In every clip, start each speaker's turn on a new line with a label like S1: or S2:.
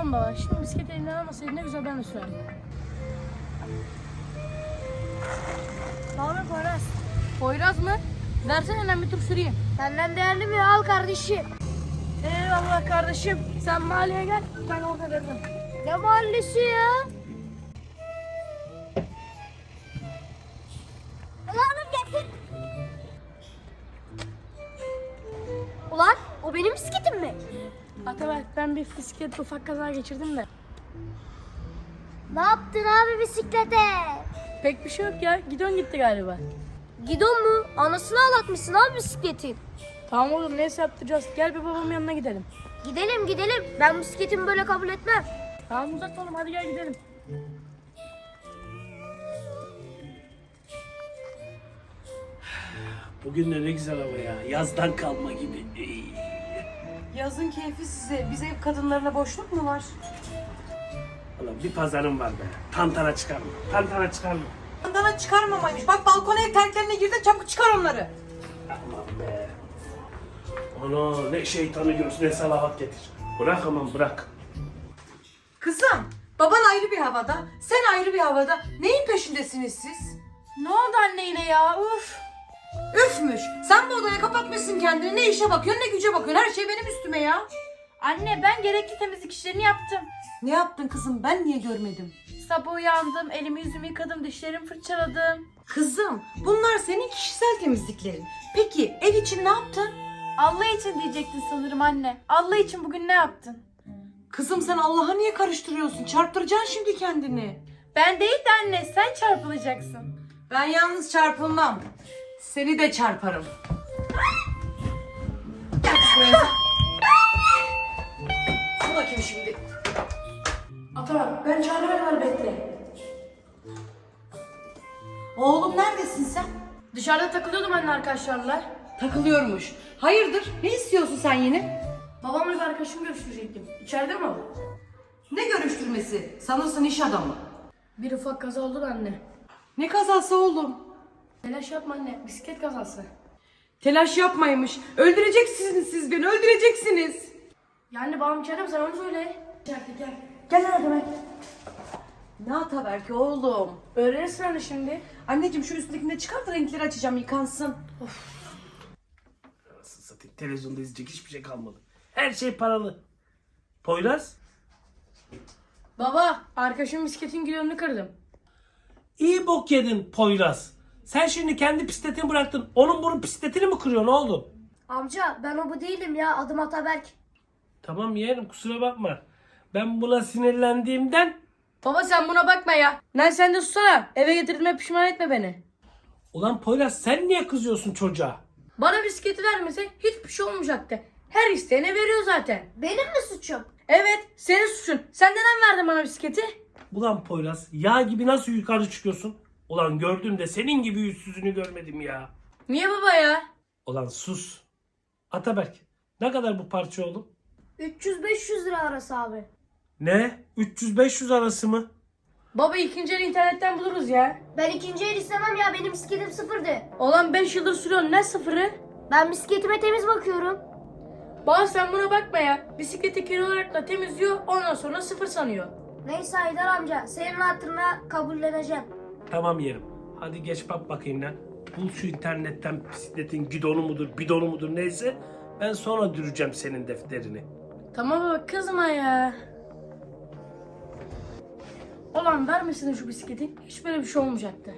S1: Tamam baba. Şimdi bisikleti elinden almasaydın ne güzel ben de sürerdim. Ne haber Poyraz? Poyraz mı? Versene ben bir tur süreyim.
S2: Senden değerli mi? Al kardeşim.
S1: Eyvallah kardeşim. Sen mahalleye gel. Ben orada veririm.
S2: Ne mahallesi ya? Ulan getir. Ulan o benim bisikletim mi?
S1: Ataberk ben bir bisikletle ufak kaza geçirdim de.
S2: Ne yaptın abi bisiklete?
S1: Pek bir şey yok ya. Gidon gitti galiba.
S2: Gidon mu? Anasını ağlatmışsın abi bisikletin.
S1: Tamam oğlum neyse yaptıracağız. Gel bir babamın yanına gidelim.
S2: Gidelim gidelim. Ben bisikletimi böyle kabul etmem.
S1: Tamam uzatma oğlum hadi gel gidelim.
S3: Bugün de ne güzel hava ya. Yazdan kalma gibi.
S4: Yazın keyfi size. Biz ev kadınlarına boşluk mu var?
S3: Ulan bir pazarım var be. Tantana çıkarma. Tantana çıkarma.
S4: Bandana çıkarmamaymış. Bak balkona ev terklerine girdi, çabuk çıkar onları.
S3: Aman be. Ana ne şeytanı görsün ne salavat getir. Bırak aman bırak.
S4: Kızım, baban ayrı bir havada, sen ayrı bir havada. Neyin peşindesiniz siz?
S1: Ne oldu anne yine ya? Uf.
S4: Üfmüş. Sen bu odaya kapatmışsın kendini. Ne işe bakıyorsun ne güce bakıyorsun. Her şey benim üstüme ya.
S1: Anne ben gerekli temizlik işlerini yaptım.
S4: Ne yaptın kızım? Ben niye görmedim?
S1: Sabah uyandım, elimi yüzümü yıkadım, dişlerimi fırçaladım.
S4: Kızım, bunlar senin kişisel temizliklerin. Peki ev için ne yaptın?
S1: Allah için diyecektin sanırım anne. Allah için bugün ne yaptın?
S4: Kızım sen Allah'a niye karıştırıyorsun? Çarptıracaksın şimdi kendini.
S1: Ben değil de anne, sen çarpılacaksın.
S4: Ben yalnız çarpılmam. Seni de çarparım. Gel kız buraya. Bu da kim şimdi?
S1: Ataberk, ben çağırıverler bekle.
S4: Oğlum neredesin sen?
S1: Dışarıda takılıyordum anne arkadaşlarla.
S4: Takılıyormuş. Hayırdır? Ne istiyorsun sen yine?
S1: Babamla bir arkadaşımı görüştürecektim. İçeride mi o?
S4: Ne görüştürmesi? Sanırsın iş adamı.
S1: Bir ufak kaza oldu da anne.
S4: Ne kazası oğlum?
S1: Telaş yapma anne, bisiklet kazası.
S4: Telaş yapmaymış. Öldüreceksiniz siz beni, öldüreceksiniz.
S1: Yani babam içeride mi? Sen onu söyle. İçeride gel. Gel lan demek.
S4: Ne Ataberk ki oğlum?
S1: Öğrenirsin anne şimdi.
S4: Anneciğim şu üstündekini de çıkart da renkleri açacağım yıkansın.
S3: Nasıl satayım? Televizyonda izleyecek hiçbir şey kalmadı. Her şey paralı. Poyraz?
S1: Baba, arkadaşımın bisikletin gidonunu kırdım.
S3: İyi bok yedin Poyraz. Sen şimdi kendi bisikletini bıraktın. Onun bunun bisikletini mi kırıyorsun oğlum?
S2: Amca ben o bu değilim ya. Adım Ataberk.
S3: Tamam yeğenim kusura bakma. Ben buna sinirlendiğimden...
S1: Baba sen buna bakma ya. Lan sen de susana. Eve getirdiğime pişman etme beni.
S3: Ulan Poyraz sen niye kızıyorsun çocuğa?
S1: Bana bisikleti vermese hiçbir şey olmayacaktı. Her isteyene veriyor zaten.
S2: Benim mi suçum?
S1: Evet, senin suçun. Sen neden verdin bana bisikleti?
S3: Ulan Poyraz yağ gibi nasıl yukarı çıkıyorsun? Ulan gördüm de senin gibi yüzsüzünü görmedim ya.
S1: Niye baba ya?
S3: Ulan sus. Ataberk ne kadar bu parça oğlum?
S2: 300-500 lira arası abi.
S3: Ne? 300-500 arası mı?
S1: Baba ikinci el internetten buluruz ya.
S2: Ben ikinci el istemem ya. Benim bisikletim sıfırdı.
S1: Olan 5 yıldır sürüyorsun ne sıfırı?
S2: Ben bisikletime temiz bakıyorum.
S1: Baba sen buna bakma ya. Bisikleti kir olarak da temizliyor ondan sonra sıfır sanıyor.
S2: Neyse Haydar amca. Senin hatırına kabulleneceğim.
S3: Tamam yerim. Hadi geç bak bakayım lan. Bul şu internetten bisikletin gidonu mudur, bidonu mudur neyse. Ben sonra düreceğim senin defterini.
S1: Tamam baba kızma ya. Ulan vermesin şu bisikleti. Hiç böyle bir şey olmayacaktı.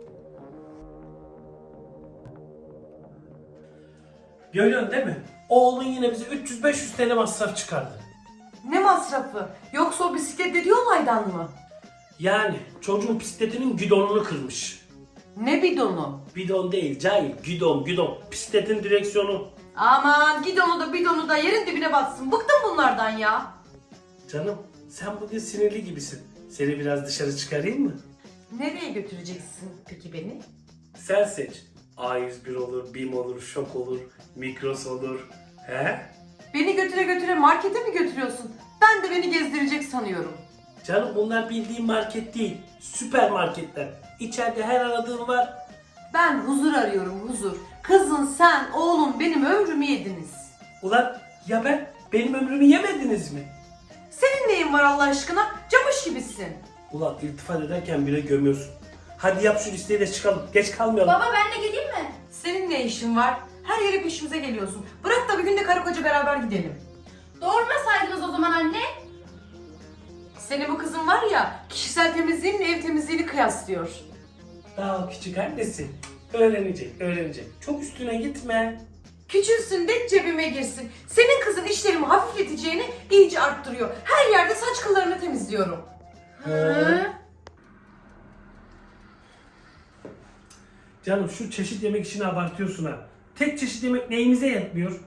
S3: Görüyorsun değil mi? Oğlun yine bize 300-500 TL masraf çıkardı.
S4: Ne masrafı? Yoksa o bisiklet dediği olaydan mı?
S3: Yani çocuğun bisikletinin gidonunu kırmış.
S4: Ne bidonu?
S3: Bidon değil cahil, gidon. Bisikletin direksiyonu.
S4: Aman gidonu da bidonu da yerin dibine batsın. Bıktım bunlardan ya.
S3: Canım sen bugün sinirli gibisin. Seni biraz dışarı çıkarayım mı?
S4: Nereye götüreceksin peki beni?
S3: Sen seç. A101 olur, BİM olur, Şok olur, Migros olur. He?
S4: Beni götüre götüre markete mi götürüyorsun? Ben de beni gezdirecek sanıyorum.
S3: Canım bunlar bildiğin market değil. Süpermarketler. İçeride her aradığın var.
S4: Ben huzur arıyorum huzur. Kızın sen, oğlum benim ömrümü yediniz.
S3: Ulan ya benim ömrümü yemediniz mi?
S4: Senin neyin neyin var Allah aşkına? Camış gibisin.
S3: Ulan iltifat ederken bile gömüyorsun. Hadi yap şu listeyi de çıkalım. Geç kalmayalım.
S2: Baba ben de geleyim mi?
S4: Senin ne işin var? Her yere peşimize geliyorsun. Bırak da bir gün de karı koca beraber gidelim.
S2: Doğurmasaydınız o zaman anne.
S4: Senin bu kızın var ya, kişisel temizliğinle ev temizliğini kıyaslıyor.
S3: Daha küçük annesi. Öğrenecek. Çok üstüne gitme.
S4: Küçülsün de cebime girsin. Senin kızın işlerimi hafifleteceğini iyice arttırıyor. Her yerde saç kıllarını temizliyorum.
S3: Canım şu çeşit yemek işini abartıyorsun ha. Tek çeşit yemek neyimize yetmiyor?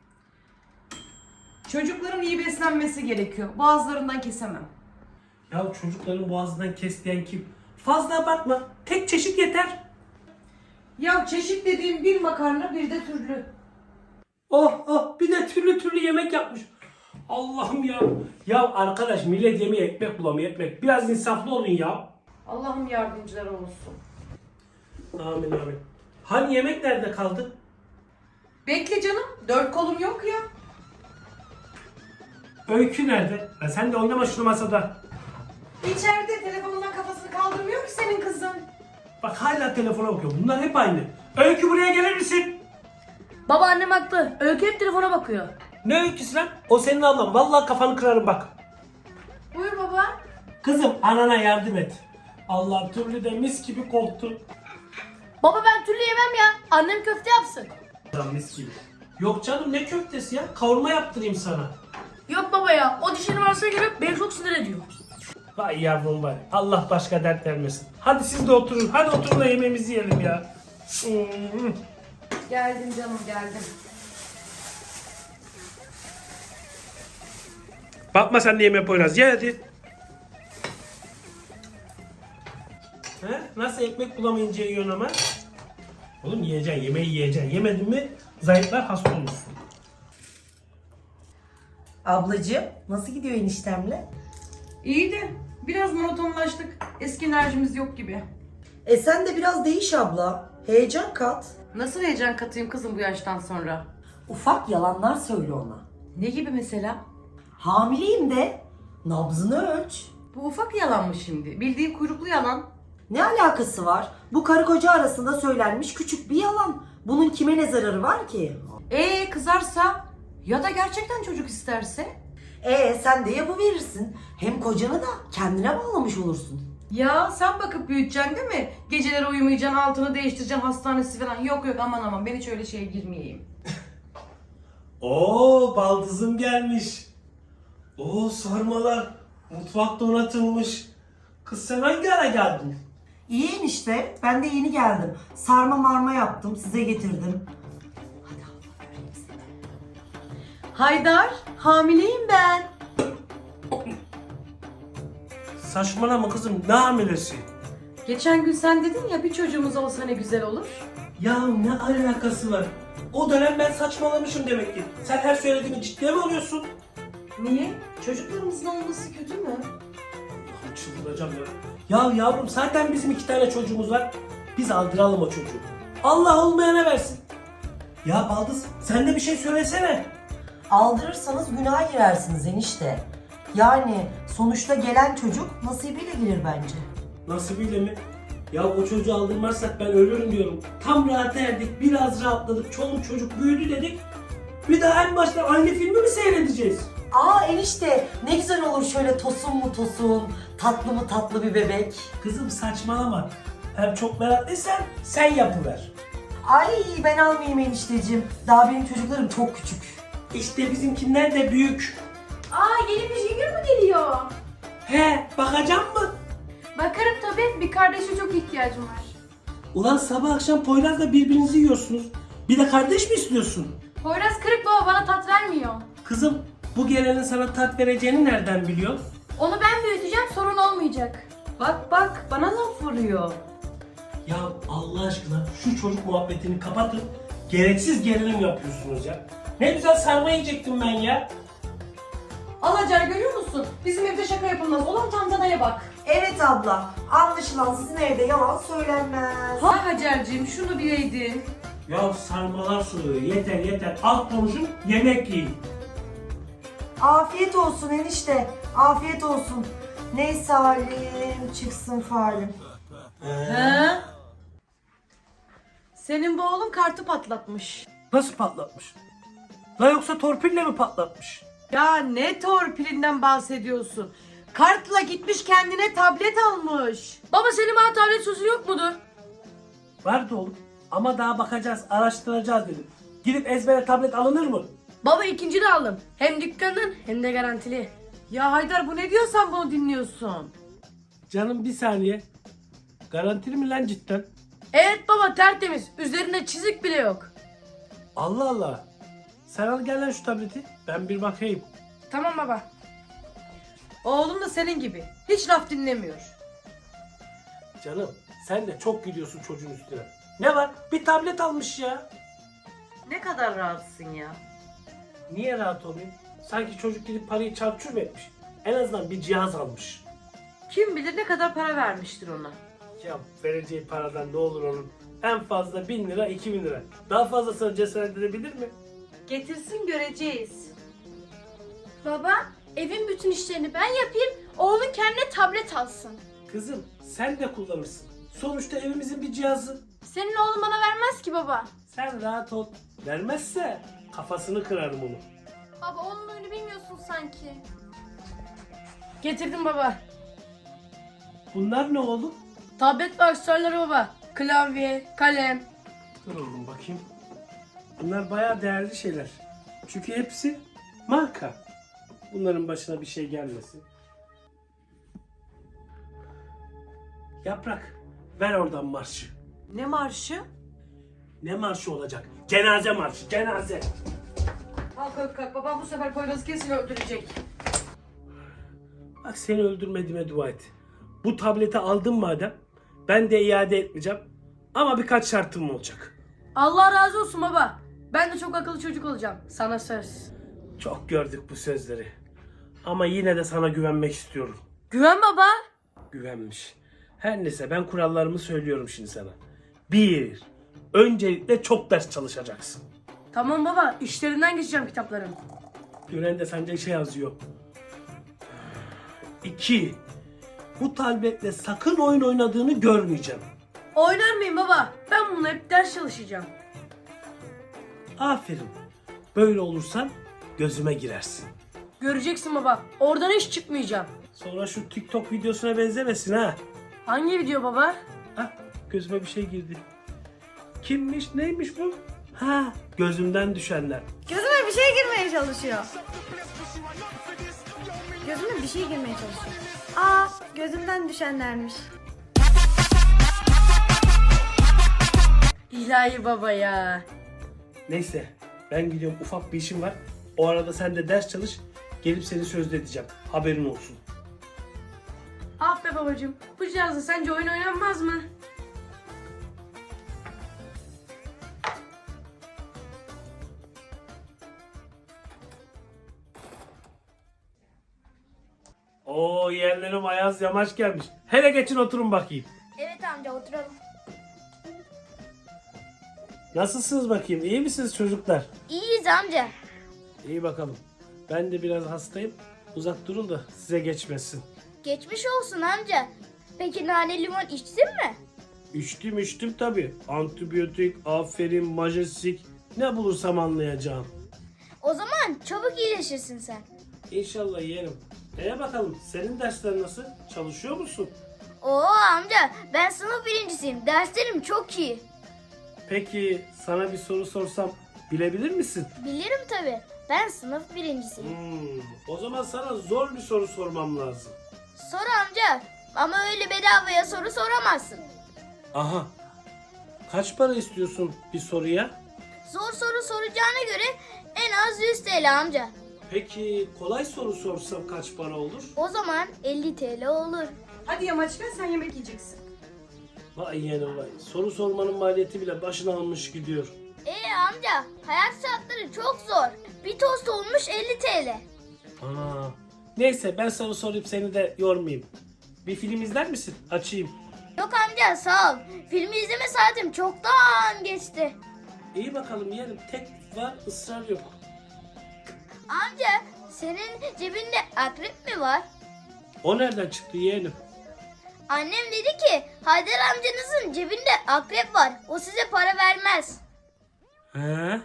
S4: Çocukların iyi beslenmesi gerekiyor. Boğazlarından kesemem.
S3: Ya çocukların boğazından kes diyen kim? Fazla abartma. Tek çeşit yeter.
S4: Ya çeşit dediğim bir makarna bir de türlü.
S3: Oh bir de türlü yemek yapmış. Allah'ım ya. Ya arkadaş millet yemeğe ekmek bulamıyor ekmek. Biraz insaflı olun ya.
S4: Allah'ım yardımcıları olsun.
S3: Amin. Hani yemek nerede kaldı?
S4: Bekle canım. 4 kolum yok ya.
S3: Öykü nerede? Ya sen de oynama şunu masada.
S4: İçeride telefonundan kafasını kaldırmıyor ki senin kızın.
S3: Bak hala telefona bakıyor. Bunlar hep aynı. Öykü buraya gelir misin?
S1: Baba annem haklı. Öykü hep telefona bakıyor.
S3: Ne öyküsü lan? O senin ablan. Vallahi kafanı kırarım bak.
S2: Buyur baba.
S3: Kızım anana yardım et. Allah türlü de mis gibi koktu.
S1: Baba ben türlü yemem ya. Annem köfte yapsın.
S3: Lan mis gibi. Yok canım ne köftesi ya? Kavurma yaptırayım sana.
S1: Yok baba ya. O dişini varsa göre beni çok sinir ediyor.
S3: Vay yavrum var. Allah başka dert vermesin. Hadi siz de oturun. Hadi oturun da yemeğimizi yiyelim ya.
S4: Geldim canım geldim.
S3: Bakma sen de yemeğe Poyraz. Ye hadi. He? Nasıl ekmek bulamayınca yiyorsun ama? Oğlum yiyeceksin, yemeği yiyeceksin. Yemedin mi zayıflar hasta olursun.
S5: Ablacığım nasıl gidiyor eniştemle?
S4: İyi de biraz monotonlaştık. Eski enerjimiz yok gibi.
S5: Sen de biraz değiş abla. Heyecan kat.
S4: Nasıl heyecan katayım kızım bu yaştan sonra?
S5: Ufak yalanlar söyle ona.
S4: Ne gibi mesela?
S5: Hamileyim de. Nabzını ölç.
S4: Bu ufak yalan mı şimdi? Bildiğin kuyruklu yalan.
S5: Ne alakası var? Bu karı koca arasında söylenmiş küçük bir yalan. Bunun kime ne zararı var ki?
S4: Kızarsa ya da gerçekten çocuk isterse?
S5: Sen de yapıverirsin. Hem kocanı da kendine bağlamış olursun.
S4: Ya sen bakıp büyüteceksin değil mi? Geceleri uyumayacaksın, altını değiştireceksin, hastanesi falan. Yok aman ben hiç öyle şeye girmeyeyim.
S3: Oo baldızım gelmiş. Oo sarmalar. Mutfak donatılmış. Kız sen hangi ara geldin?
S5: İyi enişte. Ben de yeni geldim. Sarma marma yaptım. Size getirdim. Hadi abla göreyim seni.
S4: Haydar, hamileyim ben.
S3: Saçmalama kızım ne hamilesi?
S4: Geçen gün sen dedin ya bir çocuğumuz olsa ne güzel olur.
S3: Ya ne alakası var? O dönem ben saçmalamışım demek ki. Sen her söylediğini ciddiye mi alıyorsun?
S4: Niye? Çocuklarımızın olması kötü mü?
S3: Allah'ım çıldıracağım ya. Ya yavrum zaten bizim 2 tane çocuğumuz var. Biz aldıralım o çocuğu. Allah olmayana versin. Ya Baldız sen de bir şey söylesene.
S5: Aldırırsanız günaha girersiniz enişte. Yani sonuçta gelen çocuk nasibiyle gelir bence.
S3: Nasibiyle mi? Ya o çocuğu aldırmazsak ben ölürüm diyorum. Tam rahat erdik, biraz rahatladık, çoluk çocuk büyüdü dedik. Bir daha en başta aynı filmi mi seyredeceğiz?
S5: Enişte ne güzel olur şöyle tosun mu tosun, tatlı mı tatlı bir bebek.
S3: Kızım saçmalama. Hem çok meraklıysan sen yapıver.
S5: Ay ben almayayım enişteciğim. Daha benim çocuklarım çok küçük.
S3: İşte bizimkiler de büyük.
S2: Yeni bir junior mu geliyor?
S3: He, bakacağım mı?
S2: Bakarım tabii. Bir kardeşe çok ihtiyacım var.
S3: Ulan sabah akşam Poyraz'la birbirinizi yiyorsunuz. Bir de kardeş mi istiyorsun?
S2: Poyraz kırık baba, bana tat vermiyor.
S3: Kızım, bu gelenin sana tat vereceğini nereden biliyorsun?
S2: Onu ben büyüteceğim, sorun olmayacak.
S4: Bak bana laf vuruyor.
S3: Ya Allah aşkına şu çocuk muhabbetini kapatın. Gereksiz gerilim yapıyorsunuz ya. Ne güzel sarma yiyecektim ben ya.
S4: Alacar görüyor musun? Bizim evde şaka yapılmaz. Olan tantanaya bak.
S5: Evet abla, anlaşılan sizin evde yalan söylenmez.
S4: Ha Hacer'cim şunu bileydin.
S3: Ya sarmalar soruyor. Yeter. Alt konuşun, yemek yiyin.
S5: Afiyet olsun enişte. Afiyet olsun. Neyse halim çıksın falim.
S4: He? Senin bu oğlun kartı patlatmış.
S3: Nasıl patlatmış? La yoksa torpille mi patlatmış?
S4: Ya ne torpilinden bahsediyorsun? Kartla gitmiş kendine tablet almış.
S1: Baba senin bana tablet sözü yok mudur?
S3: Vardı oğlum. Ama daha bakacağız, araştıracağız dedim. Gidip ezbere tablet alınır mı?
S1: Baba ikinci de aldım. Hem dükkandan hem de garantili.
S4: Ya Haydar bu ne diyorsan bunu dinliyorsun.
S3: Canım bir saniye. Garantili mi lan cidden?
S1: Evet baba tertemiz. Üzerinde çizik bile yok.
S3: Allah Allah. Sen al gel lan şu tableti. Ben bir bakayım.
S1: Tamam baba.
S4: Oğlum da senin gibi. Hiç laf dinlemiyor.
S3: Canım sen de çok gidiyorsun çocuğun üstüne. Ne var? Bir tablet almış ya.
S4: Ne kadar rahatsın ya.
S3: Niye rahat olayım? Sanki çocuk gidip parayı çarçur etmiş. En azından bir cihaz almış.
S4: Kim bilir ne kadar para vermiştir ona.
S3: Ya vereceği paradan ne olur onun? En fazla 1000 lira 2000 lira. Daha fazlasını cesaret edebilir mi?
S4: Getirsin göreceğiz.
S2: Baba, evin bütün işlerini ben yapayım, oğlun kendine tablet alsın.
S3: Kızım sen de kullanırsın. Sonuçta evimizin bir cihazı.
S2: Senin oğlun bana vermez ki baba.
S3: Sen rahat ol. Vermezse kafasını kırarım onu.
S2: Baba onun oyunu bilmiyorsun sanki.
S1: Getirdim baba.
S3: Bunlar ne oğlum?
S1: Tablet ve aksesuarları baba. Klavye, kalem.
S3: Dur oğlum bakayım. Bunlar bayağı değerli şeyler. Çünkü hepsi marka. Bunların başına bir şey gelmesin. Yaprak, ver oradan marşı.
S4: Ne marşı?
S3: Ne marşı olacak? Cenaze marşı, cenaze.
S4: Kalk kalk babam bu sefer Poyraz'ı kesin öldürecek.
S3: Bak seni öldürmediğime dua et. Bu tableti aldım madem, ben de iade etmeyeceğim. Ama birkaç şartım olacak.
S1: Allah razı olsun baba. Ben de çok akıllı çocuk olacağım. Sana söz.
S3: Çok gördük bu sözleri. Ama yine de sana güvenmek istiyorum.
S1: Güven baba.
S3: Güvenmiş. Her neyse ben kurallarımı söylüyorum şimdi sana. 1. Öncelikle çok ders çalışacaksın.
S1: Tamam baba. İşlerinden geçeceğim kitapların.
S3: Gören de sence şey yazıyor. 2. Bu tabletle sakın oyun oynadığını görmeyeceğim.
S1: Oynar mıyım baba? Ben bununla hep ders çalışacağım.
S3: Aferin. Böyle olursan gözüme girersin.
S1: Göreceksin baba. Oradan hiç çıkmayacağım.
S3: Sonra şu TikTok videosuna benzemesin ha.
S1: Hangi video baba?
S3: Ah, gözüme bir şey girdi. Kimmiş neymiş bu? Ha, gözümden düşenler.
S2: Gözüme bir şey girmeye çalışıyor. Gözüme bir şey girmeye çalışıyor. Aa, gözümden düşenlermiş.
S1: İlahi baba ya.
S3: Neyse ben gidiyorum, ufak bir işim var. O arada sen de ders çalış. Gelip seni sözde edeceğim. Haberin olsun.
S1: Ah be babacığım. Bu cihazla sence oyun oynanmaz mı?
S3: Oo, yerlerim ayaz yamaç gelmiş. Hele geçin oturun bakayım.
S2: Evet amca oturalım.
S3: Nasılsınız bakayım? İyi misiniz çocuklar?
S2: İyiyiz amca.
S3: İyi bakalım. Ben de biraz hastayım. Uzak durun da size geçmesin.
S2: Geçmiş olsun amca. Peki nane limon içtin mi?
S3: İçtim tabii. Antibiyotik, aferin, majestik. Ne bulursam anlayacağım.
S2: O zaman çabuk iyileşirsin sen.
S3: İnşallah yerim. Bakalım senin dersler nasıl? Çalışıyor musun?
S2: Oo amca ben sınıf birincisiyim. Derslerim çok iyi.
S3: Peki sana bir soru sorsam bilebilir misin?
S2: Bilirim tabii. Ben sınıf birincisiyim.
S3: O zaman sana zor bir soru sormam lazım.
S2: Sor amca. Ama öyle bedavaya soru soramazsın.
S3: Aha. Kaç para istiyorsun bir soruya?
S2: Zor soru soracağına göre en az 100 TL amca.
S3: Peki kolay soru sorsam kaç para olur?
S2: O zaman 50 TL olur.
S4: Hadi Yamaç gel sen yemek yiyeceksin.
S3: Vay yeğenim vay. Soru sormanın maliyeti bile başına almış gidiyor.
S2: Amca hayat şartları çok zor. Bir tost olmuş 50 TL.
S3: Aa. Neyse ben soru sorayım seni de yormayayım. Bir film izler misin? Açayım.
S2: Yok amca sağ ol. Filmi izleme saatim çoktan geçti.
S3: İyi bakalım yeğenim. Tek var, ısrar yok.
S2: Amca
S6: Senin cebinde akrep mi var?
S3: O nereden çıktı yeğenim?
S6: Annem dedi ki Haydar amcanızın cebinde akrep var. O size para vermez.
S3: He?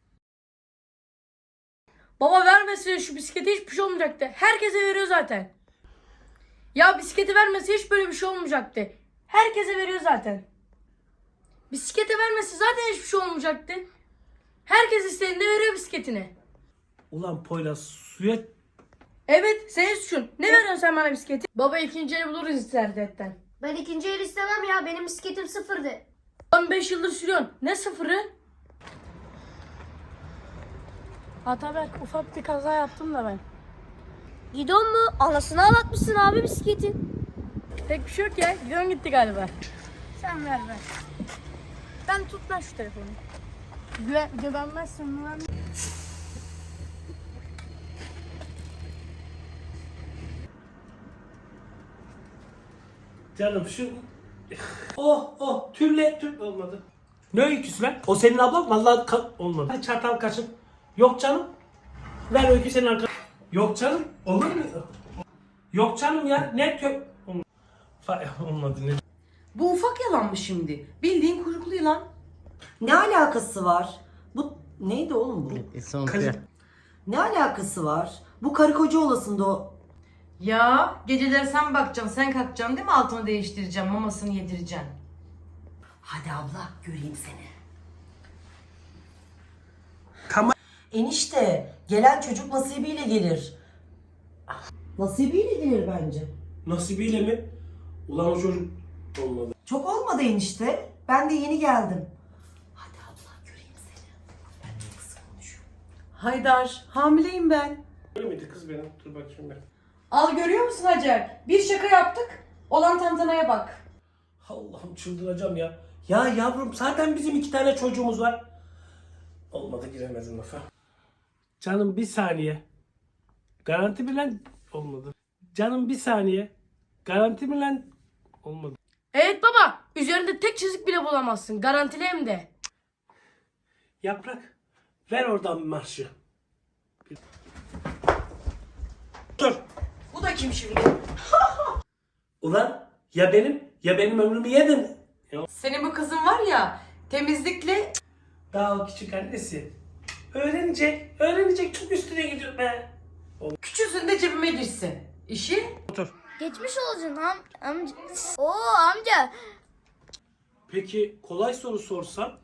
S1: Baba vermese şu bisiklete hiçbir şey olmayacaktı. Herkese veriyor zaten. Ya bisikleti vermese hiç böyle bir şey olmayacaktı. Herkese veriyor zaten. Bisikleti vermesi zaten hiçbir şey olmayacaktı. Herkes istediğinde veriyor bisikletini.
S3: Ulan Poyraz suya...
S1: Evet, senin suçun. Ne veriyorsun sen bana bisikleti? Baba ikinci eli buluruz internetten.
S2: Ben ikinci el istemem ya. Benim bisikletim sıfırdı.
S1: Lan 5 yıldır sürüyorsun. Ne sıfırı? Ataberk ufak bir kaza yaptım da ben.
S6: Gidon mu? Anasını ağlatmışsın abi bisikletin.
S1: Tek bir şey yok ya. Gidiyorsun gitti galiba. Sen ver. Ben tut lan şu telefonu. Güvenmezsin lan.
S3: Canım şu... Tül olmadı. Ne öyküsü lan? O senin ablan vallahi olmadı. Hadi çatal kaşın. Yok canım. Ver öykü senin arkadaşın. Yok canım. Olur mu? Yok canım ya. Ne olmadı. Olmadı ne?
S4: Bu ufak yalan mı şimdi? Bildiğin kuyruklu yılan.
S5: Ne alakası var? Bu neydi oğlum bu? Ne alakası var? Bu karı koca olasında o.
S4: Ya geceleri sen bakacaksın, sen kalkacaksın değil mi? Altını değiştireceğim, mamasını yedireceksin.
S5: Hadi abla göreyim seni.
S3: Kama...
S5: Enişte gelen çocuk nasibiyle gelir. Nasibiyle gelir bence.
S3: Nasibiyle mi? Ulan o çocuk olmadı.
S5: Çok olmadı enişte. Ben de yeni geldim. Hadi abla göreyim seni. Ben çok kısa konuşuyorum.
S4: Haydar, hamileyim ben.
S3: Öyle miydi kız benim? Dur bakayım ben.
S4: Al görüyor musun Hacer? Bir şaka yaptık. Olan tantanaya bak.
S3: Allah'ım çıldıracağım ya. Ya yavrum zaten bizim 2 tane çocuğumuz var. Olmadı giremedim lafa. Canım bir saniye. Garanti bilen olmadı. Canım bir saniye. Garanti bilen olmadı.
S1: Evet baba. Üzerinde tek çizik bile bulamazsın. Garantili hem de.
S3: Yaprak ver oradan marşı. Dur.
S4: Bu da kim şimdi?
S3: Ulan ya benim ömrümü yedin. Ya,
S4: Senin bu kızın var ya, temizlikle...
S3: daha o küçük annesi. Öğrenecek çok üstüne gidiyor be.
S4: Küçüsün de cebime girsin. İşi?
S6: Geçmiş olsun amca. Oo amca.
S3: Peki kolay soru sorsam?